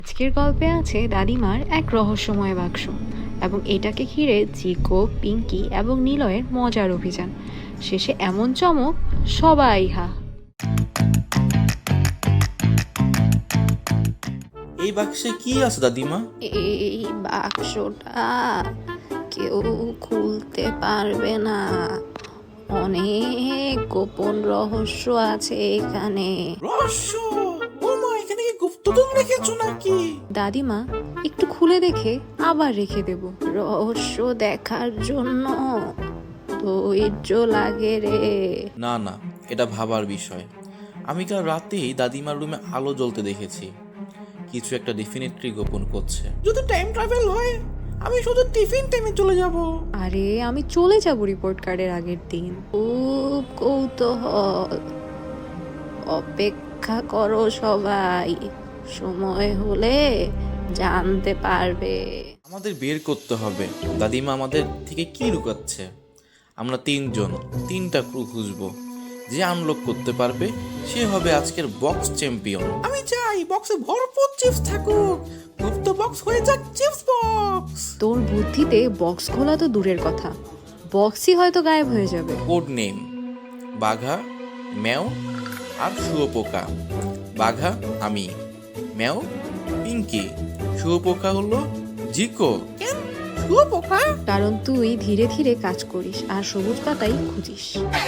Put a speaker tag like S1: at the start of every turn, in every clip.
S1: আজকের গল্পে আছে দাদিমার এক রহস্যময় বাক্স এবং এটাকে ঘিরে জিকো, পিঙ্কি এবং নিলয়ের মজার অভিযান। শেষে এমন চমক, সবাই হা।
S2: এই বাক্সে কি আছে দাদিমা?
S1: এই বাক্সটা কেউ খুলতে পারবে না। অনেক গোপন রহস্য আছে এখানে।
S2: রহস্য? ও মা, এখানে কি গুপ্তধন রেখেছো নাকি?
S1: দাদিমা একটু খুলে দেখে আবার রেখে দেব। রহস্য দেখার জন্য ধৈর্য লাগে রে।
S2: না না, এটা ভাবার বিষয়। আমি কাল রাতেই দাদিমার রুমে আলো জ্বলতে দেখেছি। কিছু একটা ডেফিনেটলি গোপন করছে। যদি টাইম ট্রাভেল হয়, আমি শুধু টিফিন টাইমে চলে যাব।
S1: আরে আমি চলে যাব রিপোর্ট কার্ডের আগের দিন। খুব কৌতূহল, অপেক্ষা করো সবাই, সময় হলে জানতে পারবে।
S2: আমাদের বের করতে হবে দাদিমা আমাদের থেকে কি লুকাচ্ছে। আমরা তিনজন, তিনটা ক্রু খুঁজবো। যে আনলক করতে পারবে সে হবে আজকের বক্স চ্যাম্পিয়ন। আমি চাই বক্সে ভরপুর চিপস থাকুক, গুপ্ত বক্স হয়ে যাক চিপস বক্স।
S1: তোর বুদ্ধিতে বক্স খোলা তো দূরের কথা, বক্সই হয়তো গায়েব হয়ে যাবে।
S2: কোড নেম বাঘা, ম্যাও আর শুয়োপোকা। বাঘা আমি, ম্যাও পিঙ্কি, শুয়োপোকা হলো জিকো। কেন শুয়োপোকা?
S1: কারণ তুই ধীরে ধীরে কাজ করিস আর সবুজ পাতাই খুঁজিস।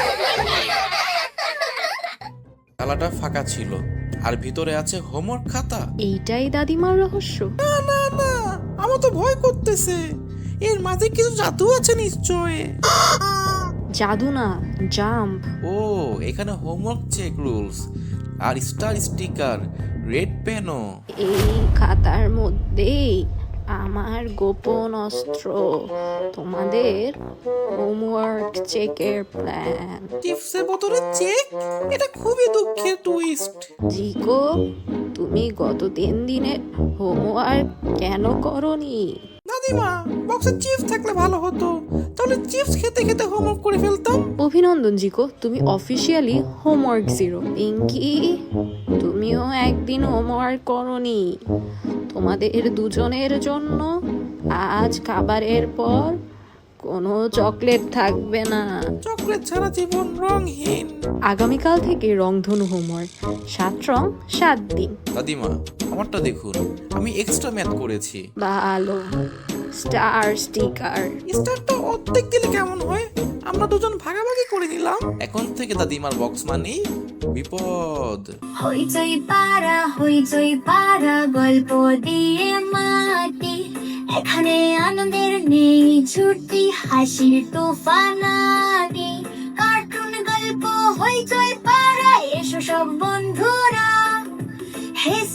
S2: তালাটা ফাঁকা ছিল আর ভিতরে আছে হোমওয়ার্ক খাতা।
S1: এইটাই দাদিমার রহস্য।
S2: না না না, আমার তো ভয় করতেছে। এর মাঝে কিছু জাদু আছে নিশ্চয়।
S1: জাদু না, জাম্প।
S2: ও, এখানে হোমওয়ার্ক চেক রুলস আর স্টার স্টিকার, রেড পেনও।
S1: এই খাতার মধ্যেই আমার গোপন অস্ত্র, তোমাদের হোমওয়ার্ক চেকের প্ল্যান।
S2: টিপসের বোতলে চেক? এটা খুবই দুঃখের টুইস্ট।
S1: জিকো, তুমি গত 3 দিনের হোমওয়ার্ক কেন করনি?
S2: দাদিমা, বক্সে চিপস থাকলে ভালো হতো, তাহলে চিপস খেতে খেতে হোমওয়ার্ক করে ফেলতাম।
S1: অভিনন্দন জিকো, তুমি অফিসিয়ালি হোমওয়ার্ক জিরো। পিঙ্কি, তুমিও একদিন হোমওয়ার্ক করনি। তোমাদের দুজনের জন্য আজ খাবারের পর কোনো চকলেট থাকবে না।
S2: চকলেট ছাড়া জীবন রংহীন।
S1: আগামীকাল থেকে রংধনু হোমওয়ার্ক, 7 রং 7 দিন।
S2: দাদিমা, আমারটা দেখুন, আমি এক্সট্রা ম্যাথ করেছি।
S1: ভালো, স্টার স্টিকার।
S2: স্টারটা অর্ধেক দিলে কেমন হয়? আমরা দুজন ভাগাভাগি করে নিলাম। এখন থেকে দাদিমার বক্স মানেই বিপদ।
S3: হইচই পাড়া গল্প দিয়ে মাটি, এখানে আনন্দের নেই ছুটি, হাসির তুফানানি, কার্টুন গল্প হইচই পাড়া, এসো সব বন্ধুরা, হে